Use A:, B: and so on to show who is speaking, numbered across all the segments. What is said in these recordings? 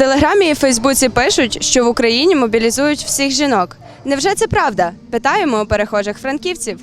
A: Телеграмі і Фейсбуці пишуть, що в Україні мобілізують всіх жінок. Невже це правда? Питаємо у перехожих франківців.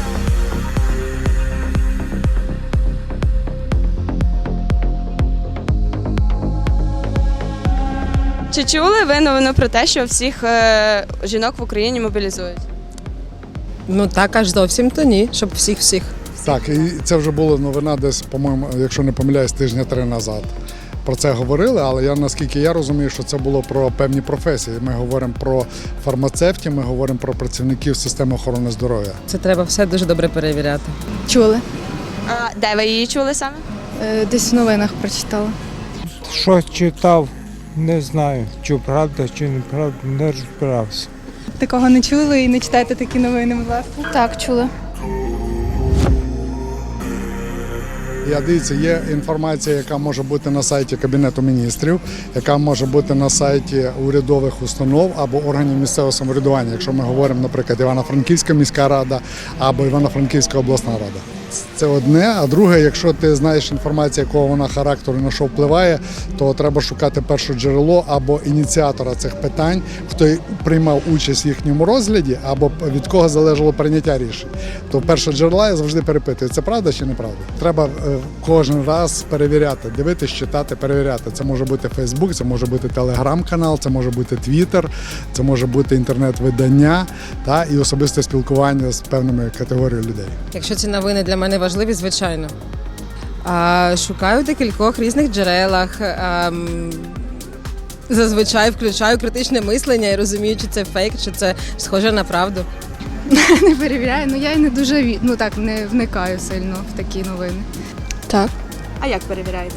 A: Чи чули ви новину про те, що всіх жінок в Україні мобілізують?
B: Ну так, аж зовсім то ні, щоб всіх-всіх.
C: Так, і це вже була новина десь, по-моєму, якщо не помиляюсь, тижня 3 назад. Про це говорили, але наскільки я розумію, що це було про певні професії. Ми говоримо про фармацевтів, ми говоримо про працівників системи охорони здоров'я.
B: Це треба все дуже добре перевіряти.
D: Чули.
A: А де ви її чули саме?
D: Десь в новинах прочитала.
E: Що читав, не знаю, чи правда, чи неправда, не розбирався.
D: Такого не чули і не читайте такі новини, будь ласка. Так, чули.
C: Дивіться, є інформація, яка може бути на сайті Кабінету міністрів, яка може бути на сайті урядових установ або органів місцевого самоврядування, якщо ми говоримо, наприклад, Івано-Франківська міська рада або Івано-Франківська обласна рада. Це одне, а друге, якщо ти знаєш інформацію, якого вона характеру і на що впливає, то треба шукати перше джерело або ініціатора цих питань, хто приймав участь в їхньому розгляді, або від кого залежало прийняття рішень. То перше джерело я завжди перепитую, це правда чи неправда. Треба кожен раз перевіряти, дивитись, читати, перевіряти. Це може бути Фейсбук, це може бути Телеграм-канал, це може бути Твіттер, це може бути інтернет-видання і особисте спілкування з певними категоріями людей.
B: Якщо ці новини для мене важливі, звичайно. Шукаю в декількох різних джерелах. Зазвичай включаю критичне мислення і розумію, чи це фейк, чи це схоже на правду.
D: Не перевіряю, я і не дуже не вникаю сильно в такі новини. Так.
A: А як перевіряєте?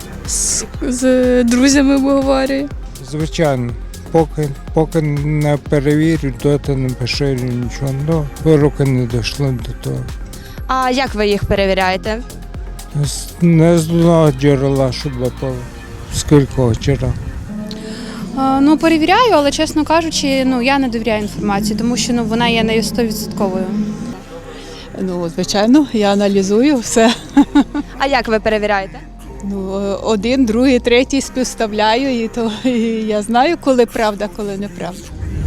D: З друзями обговорюю.
E: Звичайно, поки не перевірю, доти не поширю нічого, руки не дійшли до того.
A: А як ви їх перевіряєте?
E: Не з одного джерела, щоб було з кількох джерел.
F: Перевіряю, але, чесно кажучи, я не довіряю інформації, тому що вона є не 100%.
G: Звичайно, я аналізую все.
A: А як ви перевіряєте?
G: Один, другий, третій співставляю, і я знаю, коли правда, коли неправда.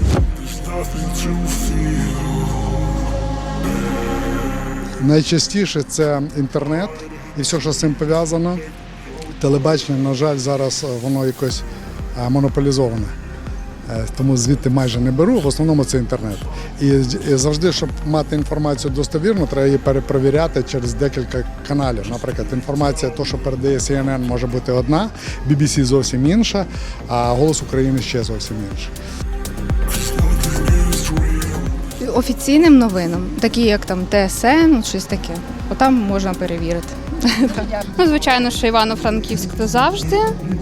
C: Найчастіше це інтернет і все, що з цим пов'язано. Телебачення, на жаль, зараз воно якось монополізоване. Тому звідти майже не беру, в основному це інтернет. І завжди, щоб мати інформацію достовірну, треба її перепровіряти через декілька каналів. Наприклад, інформація, то, що передає CNN, може бути одна, BBC зовсім інша, а «Голос України» ще зовсім інша.
D: Офіційним новинам, такі як там ТСН, щось таке. Отам можна перевірити.
F: Звичайно, що Івано-Франківськ – то завжди.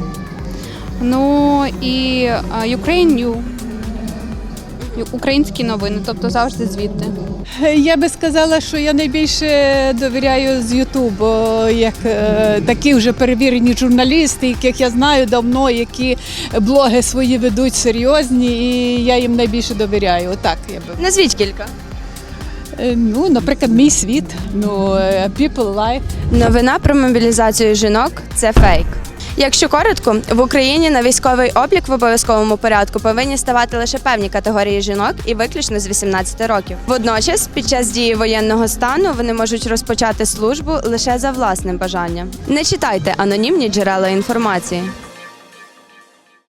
F: І Ukraine New. Українські новини, тобто завжди звідти.
G: Я би сказала, що я найбільше довіряю з Ютубу, як такі вже перевірені журналісти, яких я знаю давно, які блоги свої ведуть серйозні, і я їм найбільше довіряю. Отак я би.
A: Назвіть кілька.
G: Наприклад, «Мій світ», «People Life».
A: Новина про мобілізацію жінок – це фейк. Якщо коротко, в Україні на військовий облік в обов'язковому порядку повинні ставати лише певні категорії жінок і виключно з 18 років. Водночас, під час дії воєнного стану вони можуть розпочати службу лише за власним бажанням. Не читайте анонімні джерела інформації.